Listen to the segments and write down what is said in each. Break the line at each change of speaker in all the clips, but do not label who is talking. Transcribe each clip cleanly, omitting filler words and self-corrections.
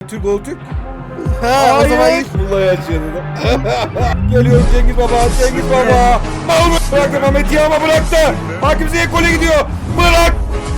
Türk gol Türk.
Ha, o zaman ilk...
Vallahi açıyordum. Geliyor Cengiz Baba. Cengiz Baba. Bıraktı Mehmet Yağma bıraktı. Hakim Ziyech gole gidiyor. Bırak.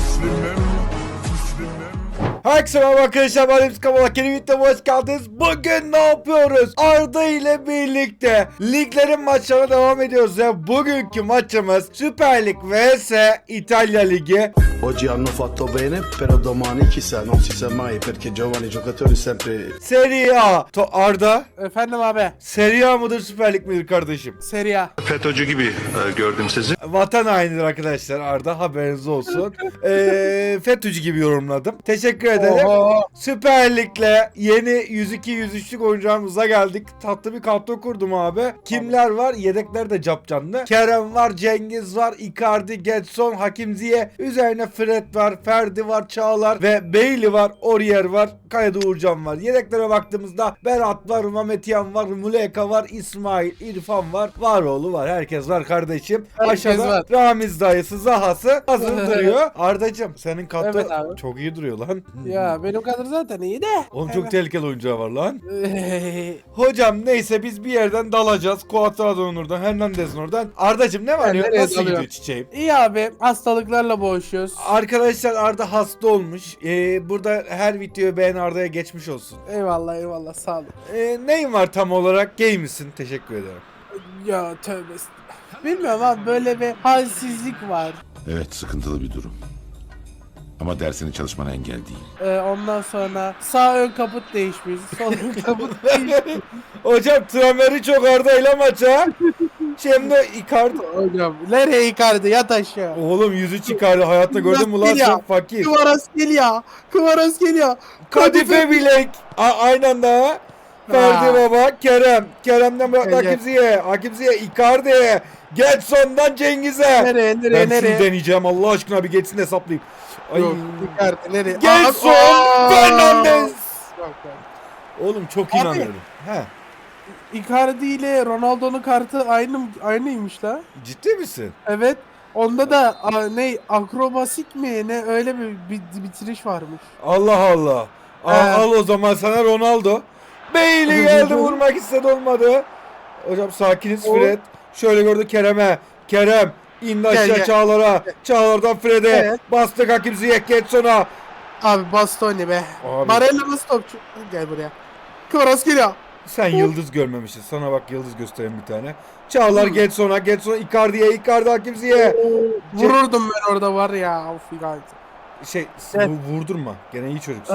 Herkese merhaba arkadaşlar, ben Hepsi Kamalak, yeni videoma hoş geldiniz. Bugün ne yapıyoruz? Arda ile birlikte liglerin maçlarına devam ediyoruz ve bugünkü maçımız Süper Lig vs İtalya Ligi.
Oggi hanno fatto bene, però domani chissà, non si sa mai perché giovani giocatori sempre...
Serie A. Arda,
Efendim abi.
Serie A mıdır Süper Lig midir kardeşim?
Serie A.
FETÖ'cü gibi gördüm sizi.
Vatan hainidir arkadaşlar Arda, haberiniz olsun. FETÖ'cü gibi yorumladım. Teşekkür ederim.
Oho.
Süper Lig'le yeni 102-103'lük oyuncağımıza geldik. Tatlı bir kadro kurdum abi. Kimler var? Yedekler de capcanlı. Kerem var, Cengiz var, Icardi, Gedson, Hakim Ziyech. Üzerine Fred var, Ferdi var, Çağlar ve Bailey var, Aurier var, Kayada Uğurcan var. Yedeklere baktığımızda Berat var, Mehmet Yan var, Muleka var, İsmail, İrfan var, Varoğlu var. Herkes var kardeşim.
Herkes
Aşağıda
var.
Ramiz dayısı, Zahası hazır duruyor. Ardacığım senin kadro
Evet abi.
çok iyi duruyor lan.
Ya benim kadar zaten iyi de.
Oğlum çok tehlikeli oyuncağı var lan. Hocam neyse biz bir yerden dalacağız. Cuadrado'nun oradan, Hernandez'in oradan. Ardacığım ne var
Ben
ya?
nereye
Nasıl
dalıyorum?
gidiyor çiçeğim?
İyi abi, hastalıklarla boğuşuyoruz.
Arkadaşlar Arda hasta olmuş. Burada her videoyu beğen, Arda'ya geçmiş olsun.
Eyvallah eyvallah, sağ olun.
Neyin var tam olarak? Gay misin? Teşekkür ederim.
Ya tövbe. Bilmiyorum abi, böyle bir halsizlik var.
Evet, sıkıntılı bir durum. Ama dersini çalışmana engel değil.
Ondan sonra sağ ön kaput değişmiş, sol ön kaput değişmiş.
Hocam Tramer'i çok Arda ile maça. Şimdi Icardi.
Hocam nereye Icardi, yat aşağı.
Oğlum yüzü çıkardı. Hayatta gördün mü lan
Nasıl ya?
çok fakir.
Kıvaras geliyor.
Kadife bilek. Aynı anda. Ferdi Baba, Kerem'den bıraktı
Evet.
Hakim Ziyech. Hakim Ziyech, Icardi. Getson'dan Cengiz'e.
Nereye
Ben
nereye?
şunu deneyeceğim Allah aşkına, bir geçsin de hesaplayayım. Ay.
Yok, Icardi nereye?
Getson,
Aa!
Fernandez.
Yok, yok.
Oğlum çok
Abi.
inanıyorum. He.
Icardi ile Ronaldo'nun kartı aynıymış la.
Ciddi misin?
Evet. Onda da ne akrobasik mi ne öyle bir bitiriş varmış.
Allah Allah. Al o zaman sana Ronaldo. Bailey geldi, vurmak istedi, olmadı. Hocam sakiniz Fred. Şöyle gördü Kerem'e. Kerem indi aşağı
Gel.
Çağlar'a. Çağlar'dan Fred'e.
Evet.
Bastık Hakim Ziyech, Getson'a.
Abi Bastoni be.
Abi.
Barella nasıl topçu? Gel buraya. Kıvaras geliyor.
Sen yıldız görmemişsin. Sana bak yıldız göstereyim bir tane. Çağlar Getson'a. Getson Icardi'ye. Icardi Hakim Ziyech.
Vururdum ben orada var ya. Of Icardi.
Evet. Vurdurma. Gene iyi çocuksun.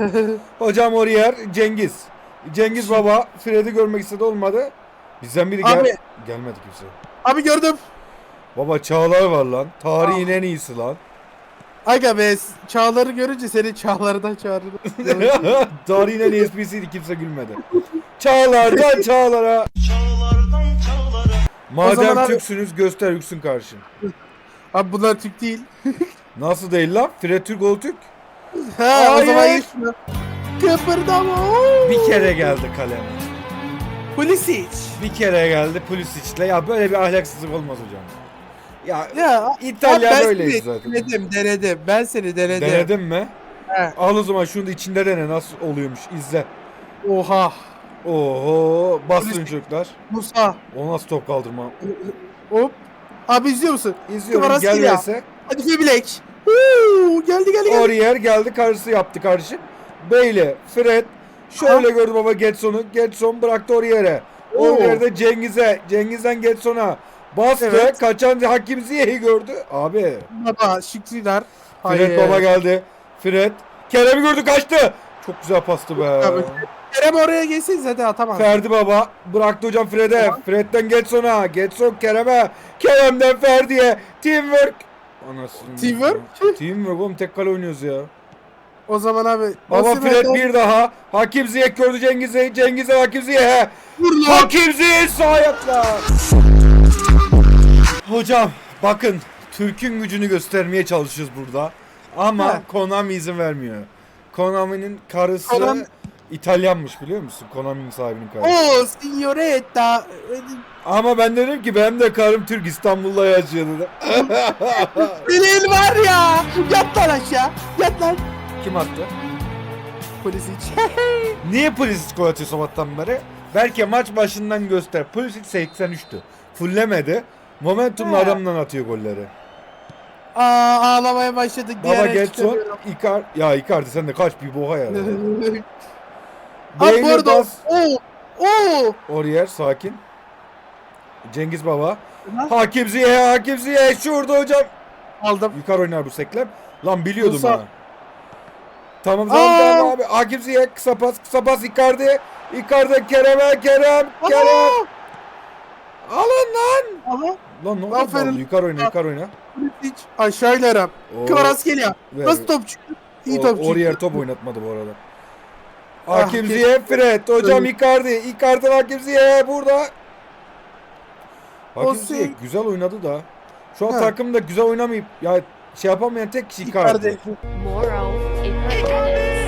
Hocam Aurier, Cengiz Baba Fred'i görmek istedi, olmadı. Bizden biri
Abi.
gelmedi kimse.
Abi gördüm.
Baba Çağlar var lan. Tarihin en iyisi lan.
Aga be, Çağlar'ı görünce seni Çağlar'dan çağırırım.
Tarihin en iyi esprisiydi, kimse gülmedi. Çağlar'dan Çağlar'a. Madem
zaman abi-
Türksünüz göster yüksün karşın.
Abi bunlar Türk değil.
Nasıl değil lan? Fred Türk ol Türk.
Ha, o zaman
Hayır.
iyi şunu. Kıpırdama.
Bir kere geldi kaleme.
Pulisic.
Bir kere geldi Pulisic'le. Ya böyle bir ahlaksızlık olmaz hocam. Ya
Ya
İtalya
abi ben
böyleyiz
seni
zaten.
Denedim. Ben seni denedim.
Denedin mi?
He.
Al o zaman şunu da içinde dene, nasıl oluyormuş, izle.
Oha.
Oho, bastın çocuklar.
Musa.
O nasıl top kaldırma?
Hop. Abi izliyor musun?
İzliyorum,
Kıvaras
gel
geliyor.
verse.
Hadi Febilek. Geldi.
Aurier geldi, karşısı yaptı karşı. Bailey, Fred. Şöyle gördü baba Getson'u. Getson bıraktı Aurier'e. Aurier'de Cengiz'den Getson'a. Bastı,
Evet.
kaçan Hakim Ziyech'i gördü. Abi.
Baba Şükrüler.
Fred baba geldi. Fred. Kerem'i gördü, kaçtı. Çok güzel pastı be.
Abi, Kerem oraya geçsin zaten atamaz.
Ferdi baba bıraktı hocam Fred'e.
Tamam.
Fred'den Getson'a. Getson Kerem'e. Kerem'den Ferdi'ye. Teamwork. Anasını.
Teamwork?
Teamwork oğlum, tek kale oynuyoruz ya.
O zaman abi.
Baba
Osimhen'den-
Fred bir daha. Hakim Ziyech gördü Cengiz'e Hakim Ziyech'e.
Vur lan.
Hakim Ziyech sağ ayakla. Hocam bakın, Türk'ün gücünü göstermeye çalışıyoruz burada. Ama
He.
Konami izin vermiyor. Konami'nin karısı
Konami-
İtalyanmış, biliyor musun? Konami'nin sahibinin karısı.
Oo signoretta.
Ama ben dedim ki benim de karım Türk, İstanbul'da yaşıyor dedim.
Senin var ya. Yat lan aşağı. Yat lan.
Kim attı?
Pulisic.
Niye Pulisic gol atıyor sabahtan beri? Belki maç başından göster. Pulisic 83'tü. Fullemedi. Momentumlu
He.
adamdan atıyor golleri.
Ağlamaya başladık.
Baba
diyerek
Getson,
çıkamıyorum.
Icardi sen de kaç bir boğa ya.
Abi bu
Beyli
arada
bas.
Oo.
Oriyer sakin. Cengiz Baba.
Lan.
Hakim Ziyech şurada hocam.
Aldım.
Yukarı oynar bu seklem. Lan biliyordum
Musa.
ha. Tamam
Aa.
abi. Hakim Ziyech kısa pas Icardi. Kerem. Alın lan.
Aha.
Lan ne oldu?
Aferin.
Yukarı oyna.
Pulisic. Aşağı inerim.
Oo.
Kvaratskhelia.
Ver.
Nasıl top çıktı? İyi top çıktı.
Oriyer top oynatmadı bu arada.
Ah,
Hakim
keşke-
Ziyech Fred. Hocam
Evet.
Icardi Hakim Ziyech burada. Hakim
O
Ziyech güzel oynadı da. Şu an
Ha.
takımda güzel oynamayıp ya şey yapamayan tek kişi Icardi.
Icardi.
Moral impertinence.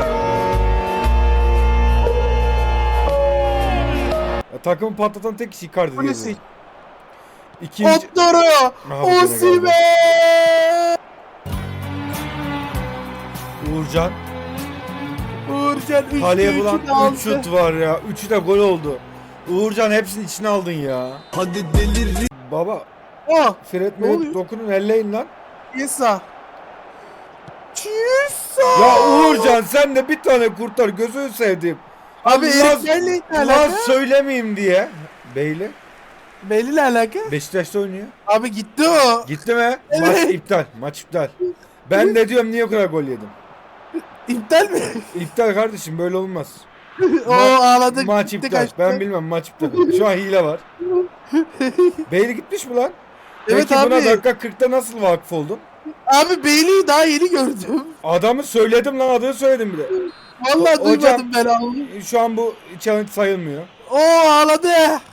Ya, takımı patlatan tek kişi Icardi diye.
Pulisic.
İkinci...
Otdoro.
Aha, bu gene
Osimhen.
Uğurcan.
Uğurcan 3'te
Kaleye bulan
3'ü de aldı.
3 şut var ya. 3'ü de gol oldu. Uğurcan hepsini içine aldın ya.
Hadi delir.
Baba
Oh.
Fred
Ne
Meret
oluyor?
dokunun elleyin lan.
Chiesa.
Ya Uğurcan sen de bir tane kurtar gözünü sevdiğim.
Abi
Lan-
Erik Bailey ne
Lan
alaka?
söylemeyeyim diye. Beyli
Bailey ne alaka?
Beşiktaş'ta oynuyor.
Abi gitti o.
Gitti mi?
Evet.
Maç iptal. Ben de diyorum niye o kadar gol yedim.
İptal mi?
İptal kardeşim böyle olmaz.
O ağladı.
Maç
gitti,
iptal.
kaçtı.
Ben bilmem maç iptal. Şu an hile var. Beyli gitmiş mi lan?
Evet
Peki buna
abi.
dakika 40'ta nasıl vakıf oldun?
Abi Bailey'i daha yeni gördüm.
Adamı söyledim lan adını söyledim bir de.
Vallahi
Hocam-
duymadım ben abi.
Şu an bu challenge sayılmıyor.
O ağladı.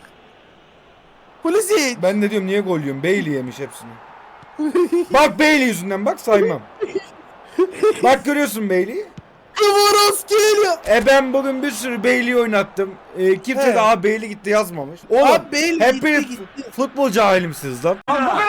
Pulisic.
Ben de diyorum niye gol yiyorum? Bailey yemiş hepsini. Bak Bailey yüzünden bak saymam. Bak görüyorsun Bailey'i.
Kvaratskhelia.
Ben bugün bir sürü Bailey oynattım. Kimse
He.
de "Aa, Bailey gitti yazmamış. Oğlum
Abi Bailey
hepiniz
gitti gitti.
futbol cahilimsiniz lan.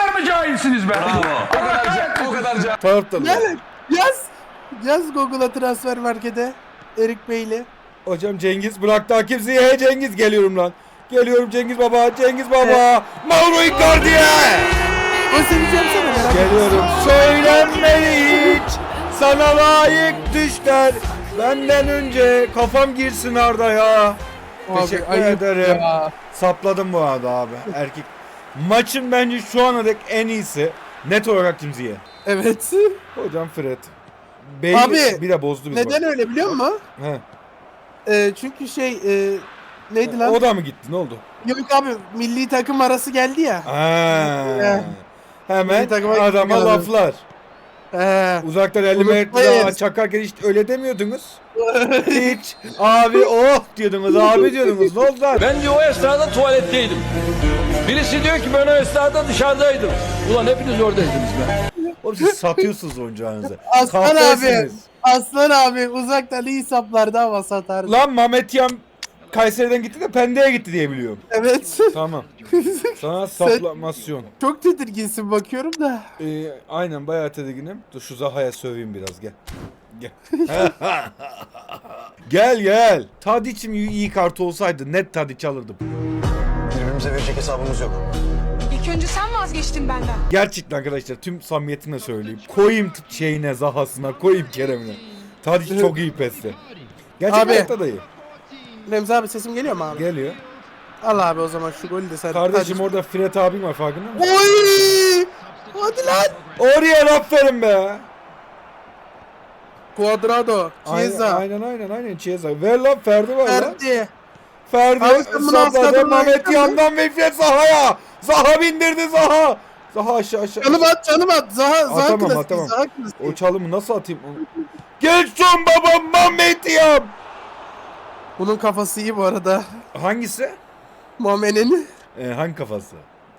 Taraftarlar.
Gel yaz. Yaz Google'a transfer markete. Erik Bailey.
Hocam Cengiz bıraktı Hakim Ziyech. Cengiz geliyorum lan. Geliyorum Cengiz Baba. Mauro Icardi'ye.
O seveceğim sana merak etme.
Geliyorum. Söylenmeli hiç. Sana layık düşler. Benden önce kafam girsin Arda ya.
Abi,
Teşekkür
ayıp
ederim.
ya.
Sapladım bu arada abi. Erkek. Maçın bence şu ana dek en iyisi. Net olarak Hakim Ziyech.
Evet.
Hocam Fred. Bailey
Abi,
bir de bozdu bizi.
Neden öyle biliyor musun?
He.
Çünkü neydi lan?
O da mı gitti? Ne oldu?
Yok abi milli takım arası geldi ya.
Ha. Hemen
Bir takıma
adama
gittik
laflar.
He.
Uzaktan 50 metre
Unutmayız.
daha çakarken hiç öyle demiyordunuz. Hiç. Abi oh diyordunuz, abi diyordunuz. Ne oldu lan?
Ben diyor o esnada tuvaletteydim. Birisi diyor ki ben o esnada dışarıdaydım. Ulan hepiniz oradaydınız be.
Oğlum siz satıyorsunuz oyuncağınızı.
Aslan abi.
Kahvesiniz.
Aslan abi uzaktan iyi saplarda hava satardı.
Lan Mehmet Yam Kayseri'den gitti de Pendik'e gitti diye biliyorum.
Evet.
Tamam. Sana saplamasyon.
Çok tedirginsin bakıyorum da.
Aynen bayağı tedirginim. Dur şu Zaha'ya söveyim biraz gel. Gel. Gel. Tadiç'im iyi kartı olsaydı net Tadiç alırdım.
Birbirimize verecek hesabımız yok.
İlk önce sen vazgeçtin benden.
Gerçekten arkadaşlar tüm samimiyetimle söyleyeyim. Koyayım şeyine Zaha'sına, koyayım Kerem'ine. Tadiç çok iyi pesti. Gerçekten
Abi.
hayatta da iyi.
Remzi abi sesim geliyor mu abi?
Geliyor.
Al abi o zaman şu golü de sen.
Kardeşim
Hadi.
orada Fred abim var farkında mısın?
Oy! Hadi lan.
Oraya aferin be.
Cuadrado. Chiesa.
Aynen Chiesa. Ver lan Ferdi var lan.
Ferdi.
Ferdi
Abi sen bunu
sapladı
asladın lan.
Mehmet yandan ve Fred Zaha'ya. Zaha bindirdi Zaha. Zaha aşağı.
Canım at. Zaha
Atamam,
klasik.
atamam.
Zaha klasik.
O çalımı nasıl atayım onu? Geçsin babam Mehmet Yam.
Bunun kafası iyi bu arada.
Hangisi?
Muamme'nin.
Hangi kafası?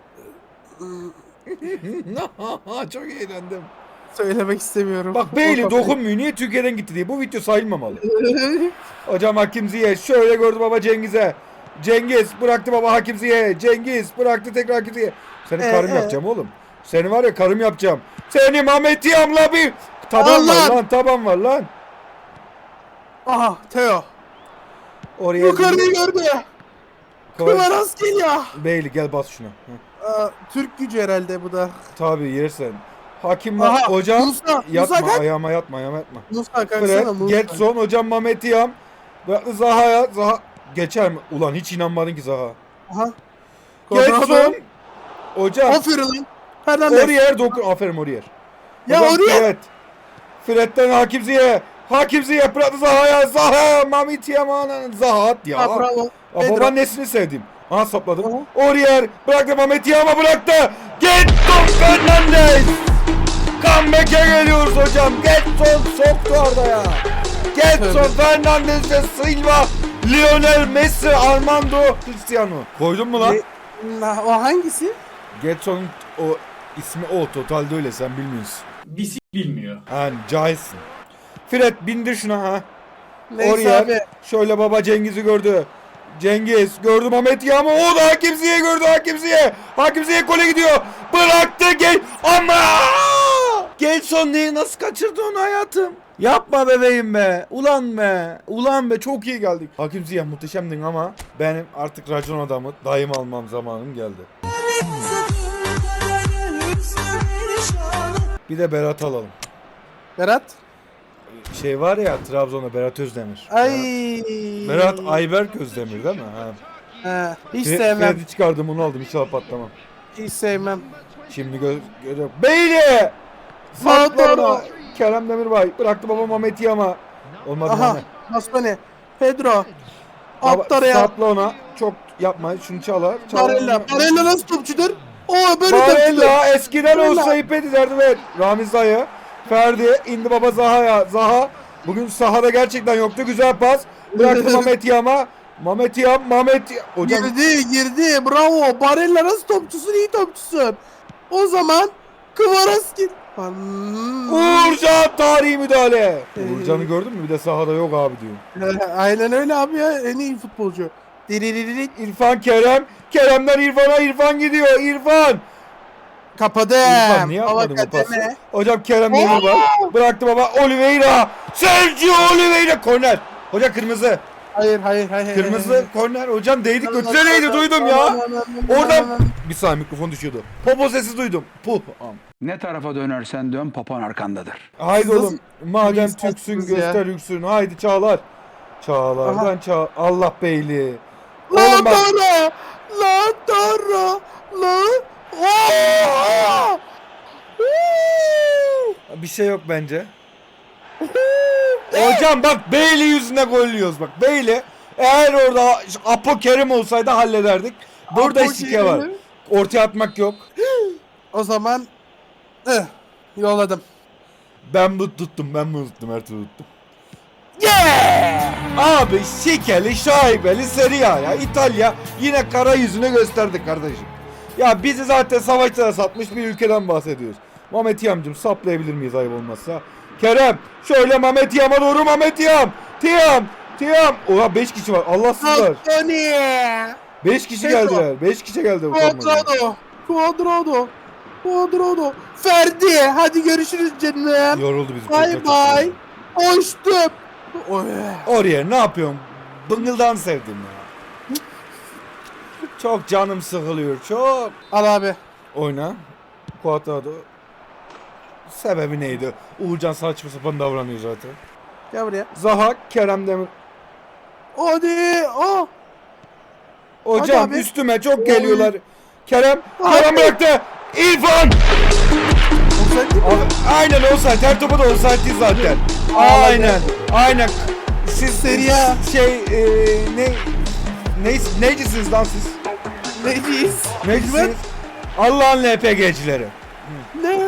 Çok eğlendim.
Söylemek istemiyorum.
Bak
O
Bailey
kafayı-
dokunmuyor. Niye Türkiye'den gitti diye. Bu video sayılmamalı. Hocam Hakim Ziyech şöyle gördü baba Cengiz'e. Cengiz bıraktı baba Hakim Ziyech. Cengiz bıraktı tekrar Hakim Ziyech. Seni karım yapacağım oğlum. Seni var ya karım yapacağım. Seni Mehmet Yam'la bir taban
Allah!
var lan taban var lan.
Aha Teo.
Oraya
Yukarıyı gördü. Kıvaras geliyor.
Beyli gel bas şuna. Hı.
Türk gücü herhalde bu da.
Tabii yersen. Hakim
Aha,
hocam
Musa,
yatma
Musa kaç?
ayağıma yatma.
Musa
Fred,
kalksana Musa.
Getson hocam Mehmet Yam. Bıraktı Zaha'ya. Zaha geçer mi? Ulan hiç inanmadın ki Zaha.
Aha.
Getson. Hocam.
Aferin lan. Hernandez.
Oriyer dokun. Aferin Oriyer.
Ya
Hocam
Oriyer.
Fred. Fred'den Hakim Ziyeh. Hakim Ziyeh bıraktı Zaha'ya. Zaha. Mehmet Yam'ın Zaha at ya.
Ha, bravo.
Ya
Pedro.
babaannesini sevdim. Aha sapladım.
Aha.
Oriyer bıraktı Mehmet Yam'a bıraktı. Getson Fernandez. Comeback'e geliyoruz hocam. Getson soktu Arda'ya. Getson Fernandez de Silva, Lionel Messi, Armando Cristiano. Koydun mu lan?
O hangisi?
Getson'un o ismi o. Totalde öyle sen bilmiyorsun.
bilmiyor.
Yani cahilsin. Fred bindir şuna ha.
Neyse
Oriyer.
abi.
Şöyle baba Cengiz'i gördü. Cengiz gördü Mehmet Yağmur. O da Hakim Ziyeh gördü Hakim Ziyeh. Hakim Ziyeh gole gidiyor. Bıraktı gel. Ama Gelson neyi nasıl kaçırdı onu hayatım? Yapma bebeğim be. Ulan be. Ulan be çok iyi geldik. Hakim Ziyeh muhteşemdin ama benim artık racon adamı dayım almam zamanım geldi. Bir de Berat alalım.
Berat.
Şey var ya Trabzon'da Berat Özdemir.
Ay.
Berat Ayberk Özdemir değil mi? Ha.
Hiç sevmem.
Fred'i çıkardım onu aldım inşallah patlamam.
Hiç sevmem.
Şimdi görüyorum. Beyli! Sakla ona. Kerem Demirbay bıraktı baba Mehmet Yama. Olmadı
Aha.
Mehmet.
Basmane. Pedro.
Baba,
At oraya.
sapla ona. Çok yapma. Şunu çalar.
Barella. Barella nasıl topçudur? O böyle topçudur.
Barella eskiden
Barella.
olsa ip ederdi ve Ramiz dayı. Ferdi indi baba Zaha'ya. Zaha bugün sahada gerçekten yoktu. Güzel pas. Bıraktı Mehmet Yama. Mehmet Yam. Hocam
Girdi. Bravo. Barella nasıl topçusun? İyi topçusun. O zaman Kıvaraski.
Uğurcan tarihi müdahale. Uğurcan'ı gördün mü? Bir de sahada yok abi diyor.
Aynen öyle abi ya. En iyi futbolcu. Diriririk.
İrfan Kerem. Kerem'den İrfan'a İrfan gidiyor. İrfan.
Kapadım.
İrfan niye yapmadın bu pası? Hocam Kerem Demirbay. Bıraktı baba Oliveira. Sergio Oliveira. Korner. Hoca kırmızı.
Hayır.
Kırmızı korner. Hocam değdik götüre değdi duydum ya. Oradan bir saniye mikrofon düşüyordu. Popo sesi duydum. Puh.
Ne tarafa dönersen dön papan arkandadır.
Haydi
Nasıl
oğlum. Madem
bir
Türksün
insansınız ya?
göster yüksün. Haydi Çağlar. Çağlar'dan Çağ. Allah beyli.
La
Oğlum bak.
Tara. La Tara. La. Oo!
Bir şey yok bence. Hocam bak Beyli yüzüne gol yiyoruz bak. Beyli eğer orada Apo Kerim olsaydı hallederdik. Burada
Apo
şike var.
Kerim.
Ortaya atmak yok.
O zaman yolladım.
Ben bu tuttum her türlü tuttum. Yeah! Abi şikeli şaibeli Serie A ya. İtalya yine kara yüzünü gösterdi kardeşim. Ya bizi zaten savaşlara satmış bir ülkeden bahsediyoruz. Mehmet Yam'cım saplayabilir miyiz ayıp olmazsa? Kerem şöyle Mehmet Yam'a doğru Mehmet Yam. Tiyam. Oha 5 kişi var. Allahsızlar.
Antony.
5 kişi
Pedro.
geldiler. 5 kişi geldi bu formayla.
Quadrado. Ferdi. Hadi görüşürüz canım.
Yoruldu bizi.
Bye bye. Hoştum.
Oraya ne yapıyorsun? Bıngıldan sevdim ya. Çok canım sıkılıyor çok.
Al abi.
Oyna. Quadrado. Sebebi neydi? Uğurcan saçma sapan davranıyor zaten.
Gel buraya.
Zaha, Kerem Demir.
Hadi. Oh. Hadi
Hocam
abi.
üstüme çok geliyorlar. Kerem
Abi.
bıraktı. İrfan. Aynen offside. Her topu da offside zaten. Aynen. Siz
Serie A.
Necisiniz lan siz?
Neciyiz?
Necisiniz? Allah'ın LPG'cileri.
Ne?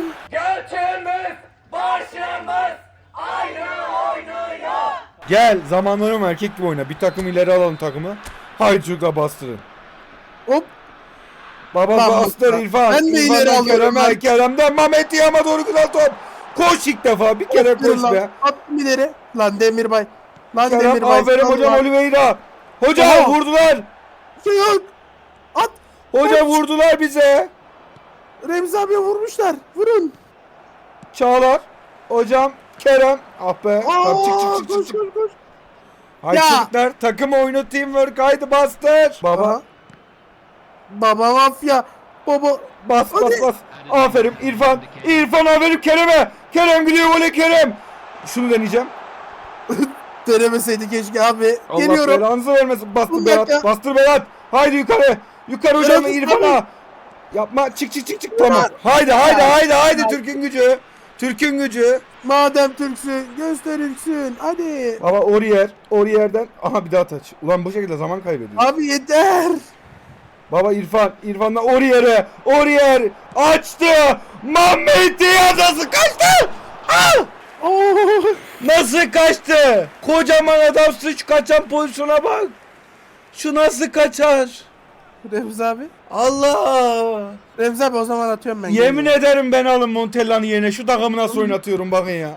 Gel zaman oynama erkek gibi oyna. Bir takım ileri alalım takımı. Haydi çocuklar bastırın.
Hop.
Baba
Lan
bastır
bak,
İrfan.
ben de
İrfan'dan
ileri alıyorum
Kerem'e,
ben.
Kerem'den Mehmet Yam'a doğru güzel top. Koş ilk defa. Bir kere koş
Lan,
be.
attım ileri. Lan Demirbay.
Kerem aferin hocam
Lan.
Oliveira. Hocam
Aha.
vurdular.
Şey yok. At.
Hocam vurdular bize.
Remzi abiye vurmuşlar. Vurun.
Çağlar. Hocam Kerem. Ah be. Tamam, çık
Aa,
çık çık
koş,
çık.
koş, koş.
Haydi
Ya.
çocuklar takım oyunu teamwork haydi bastır. Baba
Aha. Baba mafya. Baba.
bas bas
Hadi.
bas. Aferin İrfan. İrfan aferin Kerem'e. Kerem gidiyor gole Kerem. Şunu deneyeceğim.
Denemeseydi keşke abi.
Allah
Geliyorum.
belanızı vermesin. Bastır
Bir
Berat.
dakika.
Bastır Berat. Haydi yukarı. Yukarı hocam
Berat,
İrfan'a. Yapma çık çık çık çık tamam. Haydi haydi haydi haydi Türk'ün gücü. Türk'ün gücü.
Madem Türksün gösterilsin. Hadi.
Baba Orier'den. Aha bir daha taç. Ulan bu şekilde zaman kaybediyor.
Abi yeter.
Baba İrfan'dan Orier açtı. Mehmet Diaz nasıl kaçtı? Ah!
Oo.
Nasıl kaçtı? Kocaman adam sıç kaçan pozisyona bak. Şu nasıl kaçar?
Remzi abi.
Allah!
Remzi abi o zaman atıyorum ben.
Yemin
geliyorum.
ederim ben alın Montella'nın yerine. Şu takımı nasıl oynatıyorum bakın ya.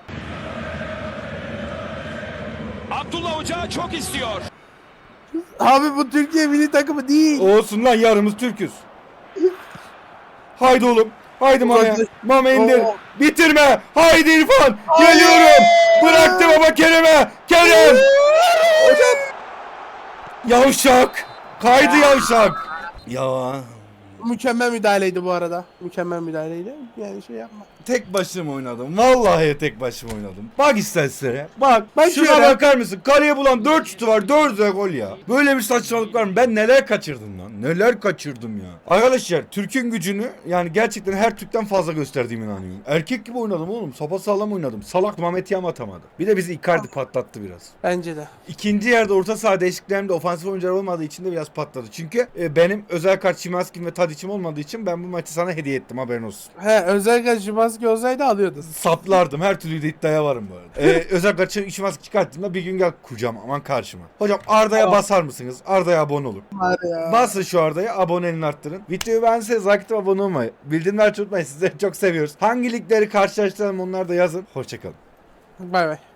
Abi bu Türkiye milli takımı değil.
Olsun lan yarımız Türk'üz. Haydi oğlum. Haydi Mame.
Hadi.
Mame indir.
Oo.
Bitirme. Haydi İrfan. Geliyorum. Bıraktı baba Kerem'e. Kerem. Hocam. Yavşak. Kaydı yavşak. Ya.
Mükemmel müdahaleydi bu arada. Mükemmel müdahaleydi. Yani şey yapma.
Tek başıma oynadım. Vallahi tek başıma oynadım. Bak istersen. Bak.
Bak
Şuna
şöyle.
bakar mısın? Kaleye bulan 4 şutu var. 4'e gol ya. Böyle bir saçmalık var mı? Ben neler kaçırdım lan. Neler kaçırdım ya. Arkadaşlar Türk'ün gücünü yani gerçekten her Türk'ten fazla gösterdiğime inanıyorum. Erkek gibi oynadım oğlum. Sapasağlam oynadım. Salak Mehmet Yam atamadı. Bir de bizi Icardi patlattı biraz.
Bence de.
İkinci yarıda orta saha değişikliklerimde ofansif oyuncular olmadığı için de biraz patladı. Çünkü benim özel kart Şimanski'm ve Tadic'im olmadığı için ben bu maçı sana hediye ettim haberin olsun.
He özellikle Şimanski olsaydı alıyordun.
Saplardım. Her türlü de iddiaya varım bu arada. Özel kaçı işimaz çıkarttığımda bir gün gel kucağım aman karşıma. Hocam Arda'ya basar mısınız? Arda'ya abone olun.
Var ya.
Basın şu Arda'ya aboneliğini arttırın. Videoyu beğenseniz like atıp abone olmayı. Bildirimleri açmayı unutmayın. Sizleri çok seviyoruz. Hangi ligleri karşılaştıralım onları da yazın. Hoşçakalın.
Bay bay.